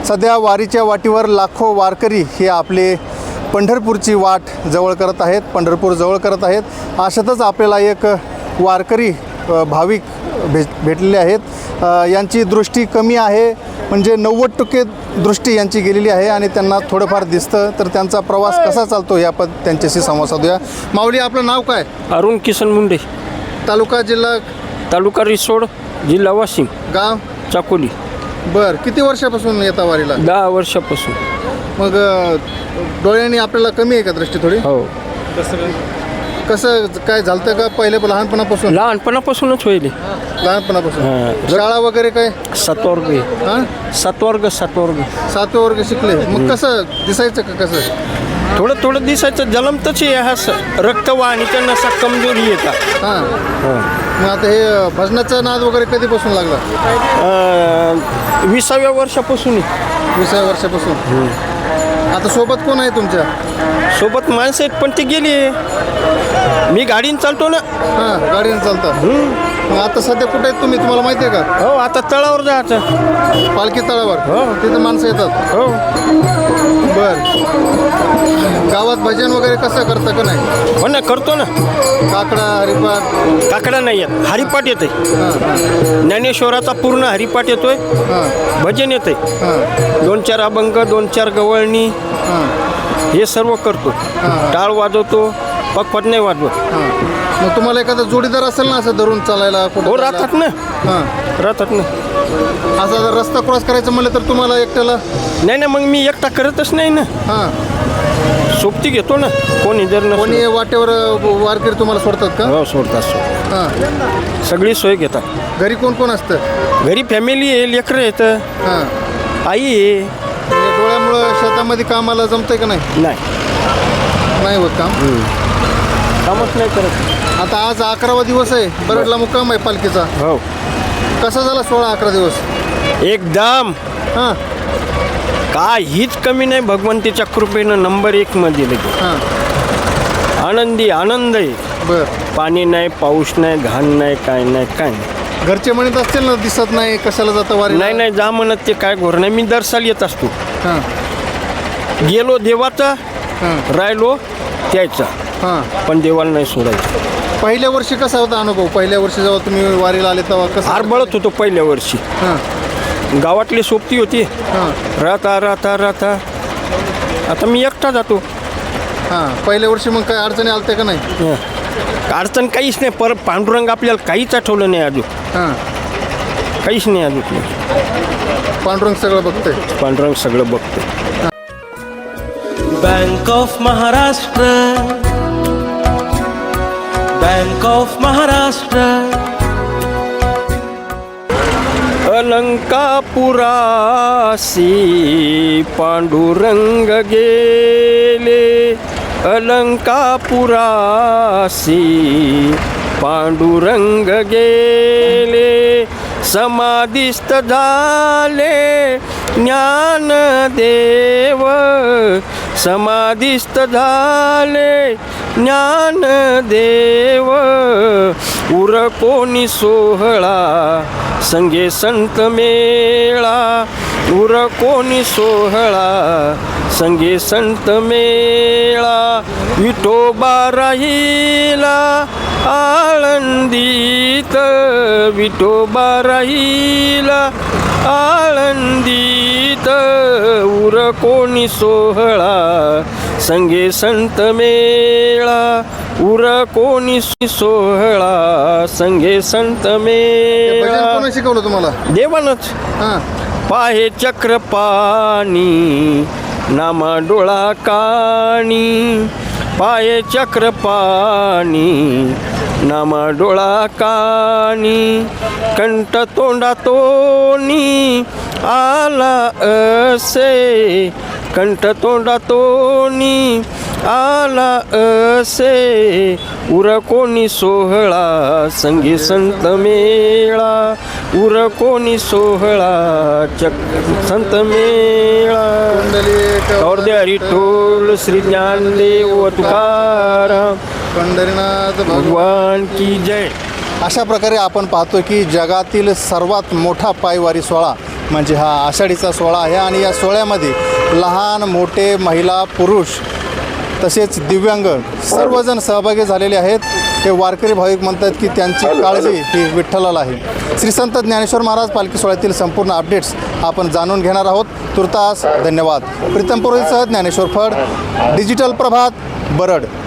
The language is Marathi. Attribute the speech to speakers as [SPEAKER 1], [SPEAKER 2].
[SPEAKER 1] सध्या वारीच्या वाटेवर लाखो वारकरी हे आपले पंढरपूरची वाट जवळ करत आहेत, पंढरपूर जवळ करत आहेत. अशातच आपल्याला एक वारकरी भाविक भेटलेले आहेत. यांची दृष्टी कमी आहे, म्हणजे 90% दृष्टी यांची गेलेली आहे आणि त्यांना थोडंफार दिसतं. तर त्यांचा प्रवास कसा चालतो या त्यांच्याशी संवाद साधूया. माऊली, आपलं नाव काय?
[SPEAKER 2] अरुण किसन मुंडे,
[SPEAKER 1] तालुका जिल्हा?
[SPEAKER 2] तालुका रिसोड, जिल्हा वाशिम, गाव चाकोली.
[SPEAKER 1] बरं, किती वर्षापासून येता वारीला?
[SPEAKER 2] 10 वर्षापासून.
[SPEAKER 1] मग डोळ्यांनी आपल्याला कमी आहे का दृष्टी थोडी?
[SPEAKER 2] हो.
[SPEAKER 1] कसं काय झालं का पहिले लहानपणापासून?
[SPEAKER 2] लहानपणापासूनच होईल.
[SPEAKER 1] लहानपणापासून शाळा वगैरे काय?
[SPEAKER 2] 7 वर्ग.
[SPEAKER 1] हां,
[SPEAKER 2] 7 वर्ग.
[SPEAKER 1] 7 वर्ग शिकले. मग कसं दिसायचं का? कसं
[SPEAKER 2] थोडं दिसायचं. जलमतच आहे, हा रक्तवाहिनीच्या नसा कमजोरी येतात.
[SPEAKER 1] हां. मग आता हे भजनाचा नाद वगैरे कधीपासून लागला?
[SPEAKER 2] 20व्या वर्षापासून.
[SPEAKER 1] 20व्या वर्षापासून. आता सोबत कोण आहे तुमच्या?
[SPEAKER 2] सोबत माणसं आहेत, पण ते गेली. मी गाडीने चालतो ना.
[SPEAKER 1] हां, गाडीने चालता. मग आता सध्या कुठे आहेत तुम्ही, तुम्हाला माहिती आहे का?
[SPEAKER 2] हो, आता तळावर जायचं.
[SPEAKER 1] पालखी तळावर?
[SPEAKER 2] हो.
[SPEAKER 1] तिथं माणसं येतात?
[SPEAKER 2] हो.
[SPEAKER 1] बर. गावात भजन वगैरे कसं करतं का नाही?
[SPEAKER 2] हो ना, करतो ना.
[SPEAKER 1] काकडा, हरिपाठ?
[SPEAKER 2] काकडा नाही येत, हरिपाठ येते.
[SPEAKER 1] हां, हां.
[SPEAKER 2] ज्ञानेश्वराचा पूर्ण हरिपाठ येतोय.
[SPEAKER 1] हां,
[SPEAKER 2] भजन येते.
[SPEAKER 1] हां,
[SPEAKER 2] 2-4 अभंग, 2-4 गवळणी,
[SPEAKER 1] हां,
[SPEAKER 2] हे सर्व करतो. टाळ वाजवतो, पकपट नाही वाजवत.
[SPEAKER 1] हां. मग तुम्हाला एखादा जोडीदार असेल ना असं धरून चालायला? कुठं
[SPEAKER 2] हो,
[SPEAKER 1] जायला?
[SPEAKER 2] राहतात ना.
[SPEAKER 1] हां.
[SPEAKER 2] राहतात ना.
[SPEAKER 1] असा जर रस्ता क्रॉस करायचं म्हणलं तर तुम्हाला एकट्याला?
[SPEAKER 2] नाही, मग मी एकटा करतच नाही ना.
[SPEAKER 1] हां.
[SPEAKER 2] सोबती घेतो ना, कोणी जर नसलं.
[SPEAKER 1] कोणी वाटेवर वारकरी तुम्हाला सोडतात का?
[SPEAKER 2] हो, सोडतात.
[SPEAKER 1] हां.
[SPEAKER 2] सगळी सोय घेतात.
[SPEAKER 1] घरी कोण कोण असतं?
[SPEAKER 2] घरी फॅमिली आहे, लेकरं येतं,
[SPEAKER 1] हां.
[SPEAKER 2] आई आहे.
[SPEAKER 1] म्हणजे डोळ्यामुळं शेतामध्ये कामाला जमतंय का नाही? नाही होत काम?
[SPEAKER 2] कामच नाही करत.
[SPEAKER 1] आता आज 11वा दिवस आहे, बरडला मुक्काम आहे पालखीचा.
[SPEAKER 2] हो.
[SPEAKER 1] कसा झाला 16-11 दिवस?
[SPEAKER 2] एकदम
[SPEAKER 1] हां,
[SPEAKER 2] काहीच कमी नाही. भगवंतीच्या कृपेनं नंबर 1 मध्ये लगे.
[SPEAKER 1] हां.
[SPEAKER 2] आनंद आहे.
[SPEAKER 1] बर.
[SPEAKER 2] पाणी नाही, पाऊस नाही, घाण नाही, काय नाही.
[SPEAKER 1] घरचे म्हणत असतील ना, दिसत नाही, कशाला जातं वारी?
[SPEAKER 2] नाही, जा म्हणत, ते काय घोर नाही. मी दर साल येत असतो.
[SPEAKER 1] हां,
[SPEAKER 2] गेलो देवाचा,
[SPEAKER 1] हां,
[SPEAKER 2] राहिलो त्याचा,
[SPEAKER 1] हां.
[SPEAKER 2] पण देवाला नाही सोडायचं.
[SPEAKER 1] पहिल्या वर्षी कसा होता अनुभव? पहिल्या वर्षी जेव्हा तुम्ही वारीला आले तेव्हा कसं?
[SPEAKER 2] आरबळत होतो पहिल्या वर्षी.
[SPEAKER 1] हां,
[SPEAKER 2] गावातली सोबती होती.
[SPEAKER 1] हां,
[SPEAKER 2] राहता आता मी एकटा जातो.
[SPEAKER 1] हां. पहिल्या वर्षी मग काय अडचणी आलते का नाही?
[SPEAKER 2] अडचण काहीच नाही. परत पांडुरंग आपल्याला काहीच आठवलं नाही अजून.
[SPEAKER 1] हां.
[SPEAKER 2] काहीच नाही अजून.
[SPEAKER 1] पांडुरंग सगळं बघतंय.
[SPEAKER 2] पांडुरंग सगळं बघतोय.
[SPEAKER 3] Bank of Maharashtra, bank of Maharashtra.
[SPEAKER 2] अलंकापुरासी पांडुरंग गेले, अलंकापुरासी पांडुरंग गेले, समाधिस्थ झाले ज्ञानदेव, समाधिस्थ झाले ज्ञानदेव. उर कोणी सोहळा संगे संत मेळा, उर कोणी सोहळा संगे संत मेळा. विठोबा राहिला आळंदीत, विठोबा राहिला आळंदीत. उर कोणी सोहळा संगे संत मेळा, उर कोणी सोहळा संगे संत मेळा.
[SPEAKER 1] कोणी शिकवलं तुम्हाला?
[SPEAKER 2] देवानच.
[SPEAKER 1] हां.
[SPEAKER 2] पाहे चक्रपाणी नामा डोळा काणी, पाये चक्रपाणी नामा डोळा काणी. कंठ तोंडातोनी आला असे, कंठ तोंडातोनी आला असे. उर कोणी सोहळा संगी संत मेळा, उर कोणी सोहळा संत मेळा. गौरदे हरिठोल श्री ज्ञानदेव तुकाराम
[SPEAKER 1] पंढरीनाथ
[SPEAKER 2] भगवान की जय.
[SPEAKER 1] अशा प्रकारे आपण पाहतो की जगातील सर्वात मोठा पायवारी सोहळा म्हणजे हा आषाढीचा सोहळा आहे आणि या सोहळ्यामध्ये लहान मोठे महिला पुरुष तसेच दिव्यांग सर्वजण सहभागी झालेले आहेत. हे वारकरी भाविक म्हणतात की त्यांची काळजी ही विठ्ठलाला आहे. श्री संत ज्ञानेश्वर महाराज पालखी सोहळ्यातील संपूर्ण अपडेट्स आपण जाणून घेणार आहोत. तुर्तास धन्यवाद. प्रीतम पुरोहितसह ज्ञानेश्वर फड, डिजिटल प्रभात, बरड.